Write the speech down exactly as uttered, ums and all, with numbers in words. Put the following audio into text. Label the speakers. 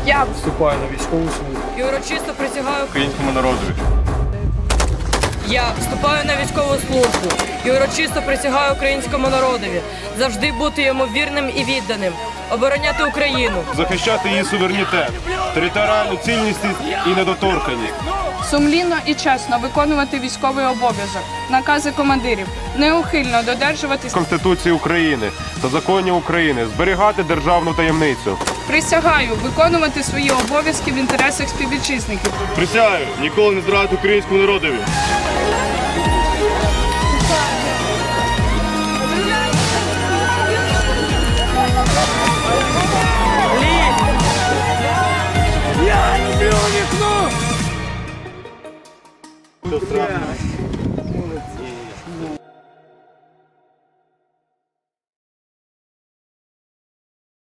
Speaker 1: Я вступаю на військову службу
Speaker 2: і урочисто присягаю
Speaker 3: українському народові.
Speaker 2: Я вступаю на військову службу і урочисто присягаю українському народові завжди бути йому вірним і відданим, обороняти Україну,
Speaker 3: Захищати її суверенітет, територіальну цілісність і недоторканність.
Speaker 1: сумлінно і чесно виконувати військовий обов'язок, накази командирів, неухильно додержуватись,
Speaker 3: Конституції України та законів України, зберігати державну таємницю.
Speaker 1: присягаю виконувати свої обов'язки в інтересах співвітчизників.
Speaker 3: Присягаю ніколи не зрадити українському народові.
Speaker 4: Я люблю вікно!